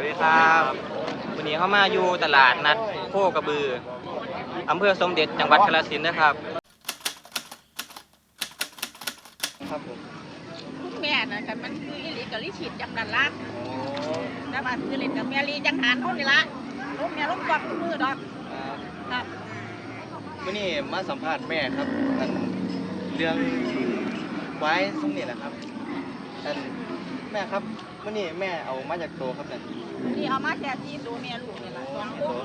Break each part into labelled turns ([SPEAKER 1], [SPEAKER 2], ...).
[SPEAKER 1] ดีครับวันนี้เข้ามาอยู่ตลาดนัดโคกระบืออำเภอสมเด็จจังหวัดกาฬสินธุ์นะครับครับผม
[SPEAKER 2] แม่น่ะแต่มันคืออีหลีกับลิฉิตจังนั้นละแต่ว่าคือเล่นกับแม่ลีจังหันเขานี่ละลูกแม่ลูกกวักมือดอกครับ
[SPEAKER 1] วันนี้มาสัมภาษณ์แม่ครับอันเรื่องไว้สมนี่แหละครับอันแม่ครับวันนี้แม่เอามาจากโตครับ
[SPEAKER 2] นี่เอามาแค่ที่ตัวแม่ลูกนี่ละสองคู่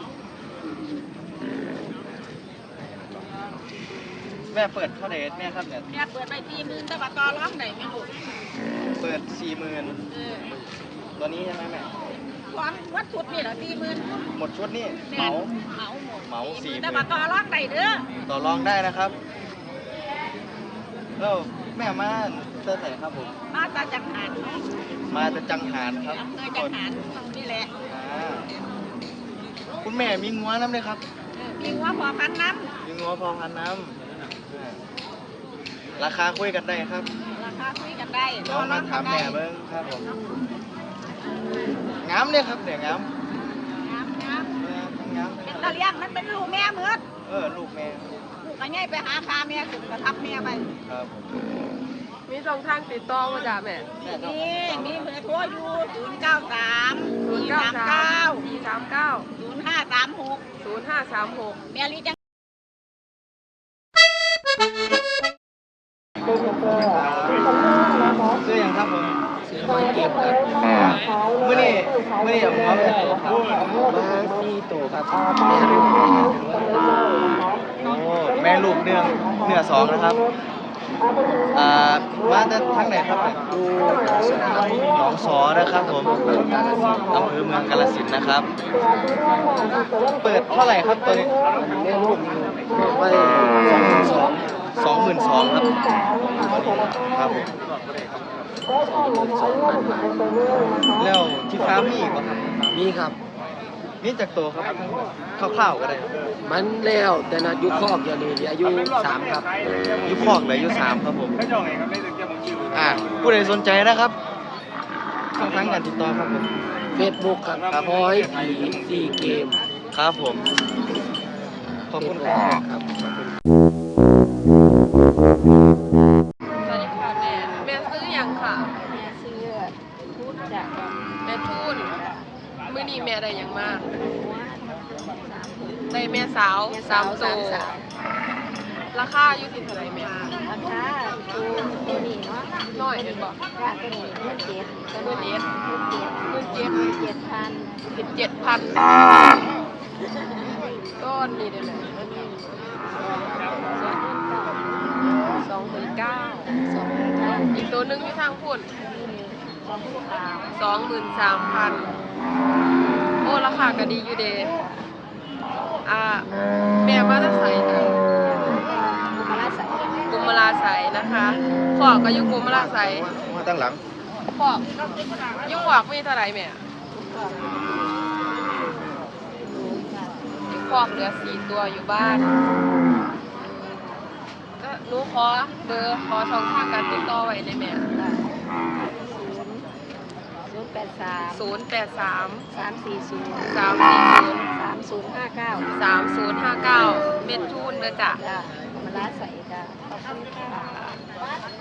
[SPEAKER 1] แม่เปิดเท่าไหร่แม่ครับเนี่ย
[SPEAKER 2] แม่เปิดไป40,000แต่ว่าต่อรองได้แม่ลูก
[SPEAKER 1] เปิด40,000ตัวนี้ใช่ไหมแม่
[SPEAKER 2] ของวัดชุดนี่เหรอ40,000
[SPEAKER 1] หมดชุดนี่เหมา
[SPEAKER 2] หมด
[SPEAKER 1] เหมา40,000
[SPEAKER 2] แต่ว่าต่อรองได้เด้อ
[SPEAKER 1] ต่อรองได้นะครับแล้วแม่มาเสื้อใส่ครับผม
[SPEAKER 2] มาจากจังหัน
[SPEAKER 1] มาจากจังหารครับ
[SPEAKER 2] อำเภอจังหันนี่แหละ
[SPEAKER 1] คุณแม่มีงัวน้ำเลยครับ
[SPEAKER 2] มีงัวพอพันน้ำ
[SPEAKER 1] มีงัวพอพันน้ำราคาคุยกันได้ครับ
[SPEAKER 2] ราคาคุยกันได้
[SPEAKER 1] ลองมาถามแม่เบิ้งครับผมงามเลยครับเดี๋ยวงาม
[SPEAKER 2] เป็นตะเลียงมันเป็นลูกแม่เหมือน
[SPEAKER 1] ลูกแม่
[SPEAKER 2] ลูกก็ง่ายไปหาคาแม่ถึงกระทับแม่ไป
[SPEAKER 1] ครับ
[SPEAKER 3] มีช่องทางติดต่อมาจากแม่
[SPEAKER 2] มีเบอร์โทรอยู่093 439 0536 แม่ลีจัง
[SPEAKER 1] ซื้อยังครับผมซื้อเก็บครับเมื่อนี้ผมเอาไปตัวครับมาที่ตัวครับแม่ลูกเนื้อ2นะครับมาจากทางไหนครับดูหนองสอนะครับผมอำเภอเมืองกาฬสินธุ์นะครับเปิดเท่าไหร่ครับตัวนี้แม่ลูกไป22,000ครับครับผมแล้วที่ฟาร์มมีอีกป่ะครับ
[SPEAKER 4] มีครับ
[SPEAKER 1] นี่จากตัวครับคร่าวๆก็ได้
[SPEAKER 4] มันแล้วแต่นะยุคคอกอย่างนี้อายุ3ครับ
[SPEAKER 1] ยุคคอกเลยอายุ3ครับผมผู้ใดสนใจนะครับช่องทางการติดต่อครับผม
[SPEAKER 4] Facebook ครับพอยผี4เกม
[SPEAKER 1] ครับผมขอบคุณครับ
[SPEAKER 3] สวัสดีค่ะแม่ซื้อยังค่ะ
[SPEAKER 2] แม่ซื้อพูดจาก
[SPEAKER 3] แม่ทูนมื้อนี้แม่ได้ยังมากได้แม่สาว3ตัวราคาอยู่ที่เท่าไหร่แม่
[SPEAKER 2] ราคาตัวนี้เนาะ
[SPEAKER 3] น้อยเห็นบ่
[SPEAKER 2] ราคาตัวนี้17,000
[SPEAKER 3] ตัวนี้
[SPEAKER 2] 17,000
[SPEAKER 3] ก้อนนี้ได้ไหม29,000อีกตัวนึงที่ทางพุ่น23,000โอ้ราคาก็ดีอยู่เด้แม่มาจะใส่ค่ะกุมลาใสนะคะขอกก็อยู่กุมลาใส
[SPEAKER 1] มาตั้งหลัง
[SPEAKER 3] ขอกยุ่งขอกมีเท่าไหร่แม่ยุ่งขอกเหลือ4ตัวอยู่บ้านก็หนูขอเบอร์ขอช่องทางการติดต่อไว้ได้ไหม083
[SPEAKER 2] 340
[SPEAKER 3] 3059เม็ดทูนเด้อจ้ะ
[SPEAKER 2] มาลาใส่จ้ะขอบคุณค่ะ